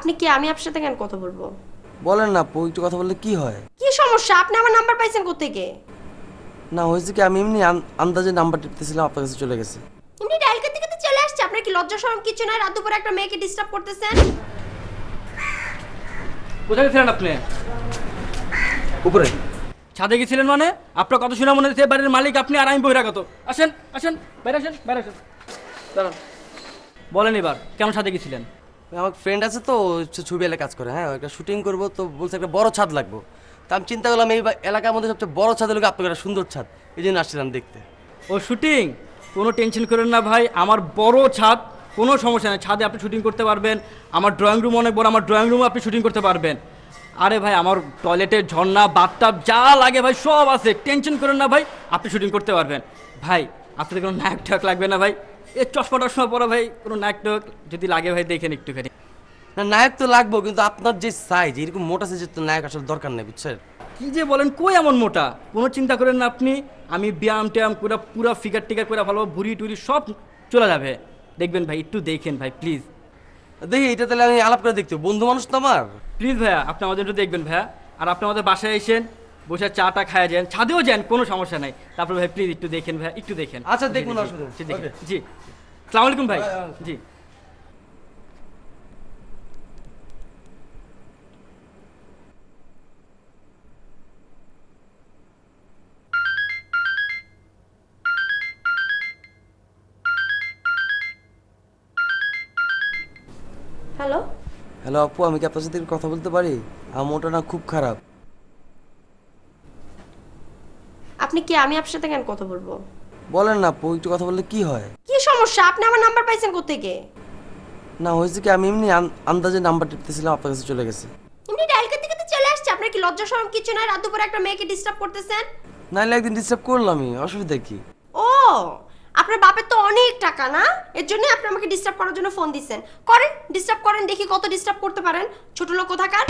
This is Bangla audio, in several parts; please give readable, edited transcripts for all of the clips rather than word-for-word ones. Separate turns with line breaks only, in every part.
আপনি কি আমি আপনার সাথে কেন কথা বলবো?
বলেন না আপু, একটু কথা বললে কি হয়?
কি সমস্যা? আপনি আমার নাম্বার পাইছেন কোত্থেকে?
না হয়েছে কি, আমি এমনি আন্দাজে নাম্বার টিপতেছিলাম, আপনার কাছে চলে গেছে।
এমনি ডায়াল করতে করতে চলে আসছে। আপনার কি লজ্জা শরম কিছু নাই? রাত দুপুরে একটা মেয়েকে ডিস্টার্ব করতেছেন।
কোথায় গেছিলেন আপনি?
উপরে।
ছাদে গেছিলেন মানে? আপনার কথা শুনে মনে হচ্ছে বাড়ির মালিক আপনি আর আমি বহিরাগত। আসেন আসেন, বাইরে আসেন, বাইরে আসেন, দাঁড়ান। বলেন এবার কেমন ছাদে গেছিলেন?
আমার ফ্রেন্ড আছে তো, ছবি এলাকায় কাজ করে, হ্যাঁ একটা শুটিং করবো তো, বলছে একটা বড় ছাদ লাগবো। তা আমি চিন্তা করলাম এই এলাকার মধ্যে সবচেয়ে বড় ছাদ হলো আপনার একটা সুন্দর ছাদ, এই জন্য আসছিলাম দেখতে।
ও শুটিং? কোনো টেনশন করেন না ভাই, আমার বড় ছাদ, কোনো সমস্যা নেই। ছাদে আপনি শুটিং করতে পারবেন। আমার ড্রয়িং রুম অনেক বড়, আমার ড্রয়িং রুমে আপনি শুটিং করতে পারবেন। আরে ভাই আমার টয়লেটের ঝর্ণা, বাথটাব যা লাগে ভাই সব আছে, টেনশন করেন না ভাই, আপনি শুটিং করতে পারবেন। ভাই আপনাদের কোনো নায়ক ঠাক লাগবে না ভাই, এ চশমা টশমা পরা ভাই, কোনো নায়ক টাক যদি লাগে ভাই দেখেন একটুখানি।
না নায়ক তো লাগবো, কিন্তু আপনার যে সাইজ এরকম মোটা সাইজের তো নায়ক আসলে দরকার নেই, বুঝছেন?
কি যে বলেন, কই এমন মোটা? কোনো চিন্তা করেন না আপনি, আমি ব্যায়াম ট্যায়াম করে পুরো ফিগার টিগার করে ভালো, ভুড়ি টুরি সব চলে যাবে। দেখবেন ভাই, একটু দেখেন ভাই প্লিজ।
দেখি এটা তাহলে আমি আলাপ করে দেখতে হবে। বন্ধু মানুষ তো আমার।
প্লিজ ভাইয়া আপনি আমাদের একটু দেখবেন ভাইয়া। আর আপনি আমাদের বাসায় এসেন, বসে চাটা খায় যান, ছাদেও যান, কোনো সমস্যা নাই। তারপর ভাই প্লিজ একটু দেখেন ভাইয়া, একটু দেখেন।
আচ্ছা,
জি,
দেখুন,
জি,
অসুবিধা নেই।
জি, দেখেন।
ওকে।
জি, আসসালামু আলাইকুম ভাই। জি।
হ্যালো,
হ্যালো আপু, আমি কি আপনার সাথে একটু কথা বলতে পারি? আমার মোটা না খুব খারাপ।
আপনি কি আমি আপনার সাথে কেন কথা বলবো?
বলেন না আপু, একটু কথা বললে কি হয়?
কি সমস্যা? আপনি আমার নাম্বার পাইছেন কোত্থেকে?
না হয়েছে কি, আমি এমনি আন্দাজে নাম্বার টিপতেছিলাম, আপনার কাছে চলে গেছে।
এমনি ডায়াল করতে করতে চলে আসছে। আপনার কি লজ্জা শরম কিছু নাই? রাত দুপুরে একটা মেয়েকে ডিস্টার্ব করতেছেন।
নাহলে একদিন ডিস্টার্ব করলামই, অসুবিধা কি?
ও, আপনার বাপের তো অনেক টাকা না, এর জন্য আপনি আমাকে ডিস্টার্ব করার জন্য ফোন দিচ্ছেন। করেন, ডিস্টার্ব করেন, দেখি কত ডিস্টার্ব করতে পারেন। ছোট লোক কোথাকার।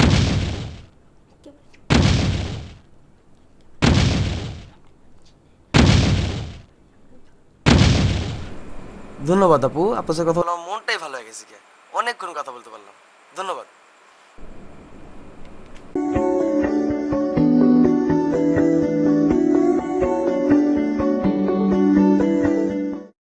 ধন্যবাদ আপু, আপনার সাথে কথা বলে আমার মনটাই ভালো হয়ে গেছে। অনেকক্ষণ কথা বলতে পারলাম, ধন্যবাদ।